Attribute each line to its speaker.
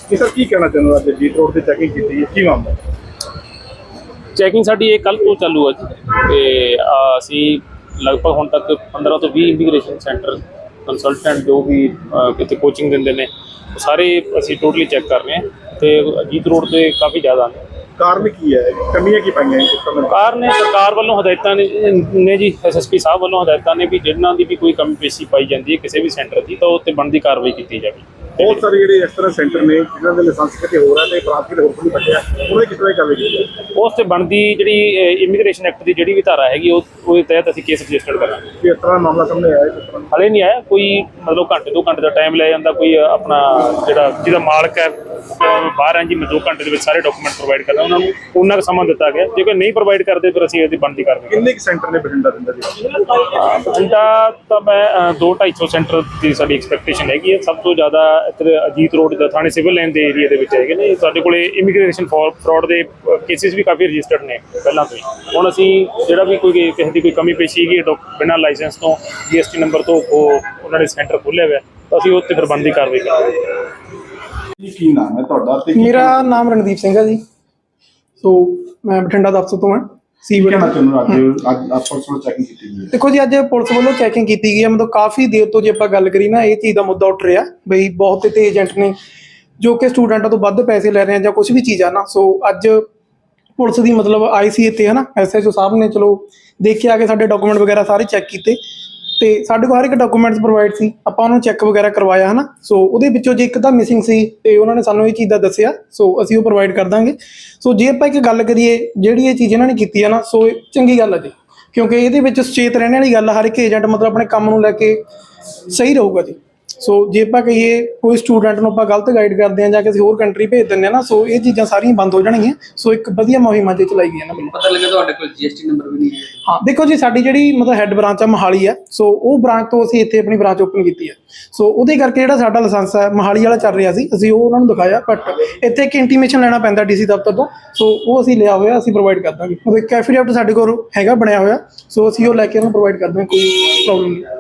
Speaker 1: ਜੀ ਸਰ ਕੀ ਕਹਿਣਾ ਚਾਹੁੰਦੇ ਹੋ? ਅੱਜ ਜੀਤ ਰੋਡ ਤੇ ਚੈਕਿੰਗ ਕੀਤੀ ਹੈ, ਕੀ ਮਾਮਲਾ?
Speaker 2: ਚੈਕਿੰਗ ਸਾਡੀ ਇਹ ਕੱਲ੍ਹ ਤੋਂ ਚਾਲੂ ਹੈ ਜੀ ਅਤੇ ਅਸੀਂ ਲਗਭਗ ਹੁਣ ਤੱਕ 15 ਤੋਂ 20 ਇਮੀਗ੍ਰੇਸ਼ਨ ਸੈਂਟਰ ਕੰਸਲਟੈਂਟ ਜੋ ਵੀ ਇੱਥੇ ਕੋਚਿੰਗ ਦਿੰਦੇ ਨੇ ਸਾਰੇ ਅਸੀਂ ਟੋਟਲੀ ਚੈੱਕ ਕਰ ਰਹੇ ਹਾਂ ਅਤੇ ਜੀਤ ਰੋਡ 'ਤੇ ਕਾਫੀ ਜ਼ਿਆਦਾ ਨੇ।
Speaker 1: ਕਾਰਨ ਕੀ ਹੈ, ਕਮੀਆਂ ਕੀ ਪਾਈਆਂ
Speaker 2: ਕਾਰਨ ਨੇ ਸਰਕਾਰ ਵੱਲੋਂ ਹਦਾਇਤਾਂ ਨੇ ਜੀ SSP ਸਾਹਿਬ ਵੱਲੋਂ ਹਦਾਇਤਾਂ ਨੇ ਵੀ ਜਿਹਨਾਂ ਦੀ ਵੀ ਕੋਈ ਕਮੀ ਪੇਸ਼ੀ ਪਾਈ ਜਾਂਦੀ ਹੈ ਕਿਸੇ ਵੀ ਸੈਂਟਰ ਦੀ ਤਾਂ ਉਹ 'ਤੇ ਬਣਦੀ ਕਾਰਵਾਈ ਕੀਤੀ ਜਾਵੇ।
Speaker 1: ਬਹੁਤ ਸਾਰੇ ਜਿਹੜੇ ਇਸ ਤਰ੍ਹਾਂ ਸੈਂਟਰ ਨੇ ਜਿਨ੍ਹਾਂ ਦੇ ਲਾਇਸੈਂਸ ਕਿਤੇ ਹੋਰ ਹੈ ਤੇ ਪ੍ਰਾਂਤ ਕਿਤੇ ਹੋਰ ਨਹੀਂ ਬਚਿਆ, ਉਹਨੇ ਕਿਸ ਤਰ੍ਹਾਂ ਕਾਰਵਾਈ ਕੀਤੀ ਹੈ?
Speaker 2: ਉਸ 'ਤੇ ਬਣਦੀ ਜਿਹੜੀ ਇਮੀਗ੍ਰੇਸ਼ਨ ਐਕਟ ਦੀ ਜਿਹੜੀ ਵੀ ਧਾਰਾ ਹੈਗੀ ਉਹਦੇ ਤਹਿਤ ਅਸੀਂ ਕੇਸ ਰਜਿਸਟਰ ਕਰਾਂਗੇ।
Speaker 1: ਕਿ ਇਸ ਤਰ੍ਹਾਂ ਮਾਮਲਾ ਸਾਹਮਣੇ ਆਇਆ ਕਿਸ ਤਰ੍ਹਾਂ?
Speaker 2: ਹਾਲੇ ਨਹੀਂ ਆਇਆ ਕੋਈ, ਮਤਲਬ ਘੰਟੇ 2 ਘੰਟੇ ਦਾ ਟਾਈਮ ਲੈ ਜਾਂਦਾ ਕੋਈ ਆਪਣਾ ਜਿਹਦਾ ਮਾਲਕ ਹੈ ਬਾਹਰ ਹੈ ਜੀ, ਮੈਂ 2 ਘੰਟੇ ਦੇ ਵਿੱਚ ਸਾਰੇ ਡਾਕੂਮੈਂਟ ਪ੍ਰੋਵਾਈਡ ਕਰਦਾ ਉਹਨਾਂ ਨੂੰ, ਉਹਨਾਂ ਕੁ ਸਮਾਂ ਦਿੱਤਾ ਗਿਆ। ਜੇਕਰ ਨਹੀਂ ਪ੍ਰੋਵਾਈਡ ਕਰਦੇ ਫਿਰ ਅਸੀਂ ਇਹਦੀ ਬਣਦੀ ਕਾਰਵਾਈ।
Speaker 1: ਕਿੰਨੇ ਕੁ ਸੈਂਟਰ ਨੇ ਬਠਿੰਡਾ ਦੇ ਅੰਦਰ?
Speaker 2: ਬਠਿੰਡਾ ਤਾਂ ਮੈਂ 200-250 ਸੈਂਟਰ ਦੀ ਸਾਡੀ ਐਕਸਪੈਕਟੇਸ਼ਨ ਹੈਗੀ ਹੈ। ਸਭ ਤੋਂ ਜ਼ਿਆਦਾ ਇੱਧਰ ਅਜੀਤ ਰੋਡ ਦਾ ਥਾਣੇ ਸਿਵਲ ਲਾਈਨ ਦੇ ਏਰੀਆ ਦੇ ਵਿੱਚ ਹੈਗੇ ਨੇ। ਸਾਡੇ ਕੋਲੇ ਇਮੀਗ੍ਰੇਸ਼ਨ ਫਰਾਡ ਦੇ ਕੇਸਿਸ ਵੀ ਕਾਫੀ ਰਜਿਸਟਰਡ ਨੇ ਪਹਿਲਾਂ ਤੋਂ ਹੀ। ਹੁਣ ਅਸੀਂ ਜਿਹੜਾ ਵੀ ਕੋਈ ਕਿਸੇ ਦੀ ਕੋਈ ਕਮੀ ਪੇਸ਼ੀ ਹੈਗੀ ਬਿਨਾਂ ਲਾਇਸੈਂਸ ਤੋਂ GST ਨੰਬਰ ਤੋਂ ਉਹਨਾਂ ਨੇ ਸੈਂਟਰ ਖੋਲ੍ਹਿਆ ਹੋਇਆ ਤਾਂ ਅਸੀਂ ਉੱਥੇ ਫਿਰ ਬਣਦੀ ਕਾਰਵਾਈ ਕਰਾਂਗੇ।
Speaker 1: ਕੀ ਨਾਮ ਹੈ ਤੁਹਾਡਾ?
Speaker 3: ਮੇਰਾ ਨਾਮ ਰਣਦੀਪ ਸਿੰਘ ਹੈ ਜੀ। ਸੋ ਮੈਂ ਬਠਿੰਡਾ ਦਫ਼ਤਰ ਤੋਂ ਹਾਂ।
Speaker 1: ਅੱਜ ਪੁਲਿਸ ਵੱਲੋਂ ਚੈਕਿੰਗ ਕੀਤੀ ਗਈ ਹੈ।
Speaker 3: ਦੇਖੋ ਜੀ, ਅੱਜ ਪੁਲਿਸ ਵੱਲੋਂ ਚੈਕਿੰਗ ਕੀਤੀ ਗਈ ਹੈ। ਮਤਲਬ ਕਾਫੀ ਦੇਰ ਤੋਂ ਜੇ ਆਪਾਂ ਗੱਲ ਕਰੀ ਨਾ, ਇਹ ਚੀਜ਼ ਦਾ ਮੁੱਦਾ ਉੱਠ ਰਿਹਾ ਬਈ ਬਹੁਤ ਤੇ ਏਜੰਟ ਨੇ ਜੋ ਕਿ ਸਟੂਡੈਂਟਾਂ ਤੋਂ ਵੱਧ ਪੈਸੇ ਲੈ ਰਹੇ ਆ ਜਾਂ ਕੁਝ ਵੀ ਚੀਜ਼ ਆ ਨਾ। ਸੋ ਅੱਜ ਪੁਲਿਸ ਦੀ ਮਤਲਬ ਆਈ ਸੀ ਇੱਥੇ ਹੈ ਨਾ, SHO ਸਾਹਿਬ ਨੇ ਚਲੋ ਦੇਖਿਆ ਕਿ ਸਾਡੇ ਡਾਕੂਮੈਂਟ ਵਗੈਰਾ ਸਾਰੇ ਚੈੱਕ ਕੀਤੇ ਤੇ ਸਾਡੇ ਕੋਲ ਹਰ ਇੱਕ ਡਾਕੂਮੈਂਟਸ ਪ੍ਰੋਵਾਈਡ ਸੀ। ਆਪਾਂ ਉਹਨੂੰ ਚੈੱਕ ਵਗੈਰਾ ਕਰਵਾਇਆ ਹੈ ਨਾ। ਸੋ ਉਹਦੇ ਵਿੱਚੋਂ ਜੇ ਇੱਕ ਤਾਂ ਮਿਸਿੰਗ ਸੀ ਤੇ ਉਹਨਾਂ ਨੇ ਸਾਨੂੰ ਇਹ ਚੀਜ਼ ਦਾ ਦੱਸਿਆ, ਸੋ ਅਸੀਂ ਉਹ ਪ੍ਰੋਵਾਈਡ ਕਰ ਦਾਂਗੇ। ਸੋ ਜੇ ਆਪਾਂ ਇੱਕ ਗੱਲ ਕਰੀਏ ਜਿਹੜੀ ਇਹ ਚੀਜ਼ ਇਹਨਾਂ ਨੇ ਕੀਤੀ ਹੈ ਨਾ, ਸੋ ਚੰਗੀ ਗੱਲ ਹੈ ਜੀ, ਕਿਉਂਕਿ ਇਹਦੇ ਵਿੱਚ ਸੁਚੇਤ ਰਹਿਣ ਵਾਲੀ ਗੱਲ। ਹਰ ਇੱਕ ਏਜੰਟ ਮਤਲਬ ਆਪਣੇ ਕੰਮ ਨੂੰ ਲੈ ਕੇ ਸਹੀ ਰਹੂਗਾ ਜੀ। ਸੋ ਜੇ ਆਪਾਂ ਕਹੀਏ ਕੋਈ ਸਟੂਡੈਂਟ ਨੂੰ ਆਪਾਂ ਗਲਤ ਗਾਈਡ ਕਰਦੇ ਹਾਂ ਜਾਂ ਕਿਸੇ ਹੋਰ ਕੰਟਰੀ ਭੇਜ ਦਿੰਦੇ ਹਾਂ ਨਾ, ਸੋ ਇਹ ਚੀਜ਼ਾਂ ਸਾਰੀਆਂ ਬੰਦ ਹੋ ਜਾਣਗੀਆਂ। ਸੋ ਇੱਕ ਵਧੀਆ ਮੁਹਿੰਮ ਅੱਜ ਚਲਾਈ ਗਈ ਹੈ ਨਾ।
Speaker 4: ਪਤਾ ਲੱਗਾ ਤੁਹਾਡੇ ਕੋਲ GST ਨੰਬਰ ਵੀ ਨਹੀਂ ਹੈ?
Speaker 3: ਹਾਂ, ਦੇਖੋ ਜੀ, ਸਾਡੀ ਜਿਹੜੀ ਮਤਲਬ ਹੈੱਡ ਬ੍ਰਾਂਚ ਆ ਮੋਹਾਲੀ ਹੈ। ਸੋ ਉਹ ਬ੍ਰਾਂਚ ਤੋਂ ਅਸੀਂ ਇੱਥੇ ਆਪਣੀ ਬ੍ਰਾਂਚ ਓਪਨ ਕੀਤੀ ਹੈ। ਸੋ ਉਹਦੇ ਕਰਕੇ ਜਿਹੜਾ ਸਾਡਾ ਲਾਇਸੈਂਸ ਹੈ ਮੋਹਾਲੀ ਵਾਲਾ ਚੱਲ ਰਿਹਾ ਸੀ, ਅਸੀਂ ਉਹ ਉਹਨਾਂ ਨੂੰ ਦਿਖਾਇਆ। ਬਟ ਇੱਥੇ ਇੱਕ ਇੰਟੀਮੇਸ਼ਨ ਲੈਣਾ ਪੈਂਦਾ DC ਦਫ਼ਤਰ ਤੋਂ। ਸੋ ਉਹ ਅਸੀਂ ਲਿਆ ਹੋਇਆ, ਅਸੀਂ ਪ੍ਰੋਵਾਈਡ ਕਰ ਦਾਂਗੇ। ਮਤਲਬ ਇੱਕ ਐਫੀਡੇਵਿਟ ਸਾਡੇ ਕੋਲ ਹੈਗਾ ਬਣਿਆ ਹੋਇਆ। ਸੋ ਅਸੀਂ ਉਹ ਲੈ ਕੇ ਉਹਨੂੰ ਪ੍ਰੋਵਾਈਡ ਕਰ ਦਾਂਗੇ, ਕੋਈ ਪ੍ਰੋਬਲਮ ਨਹੀਂ।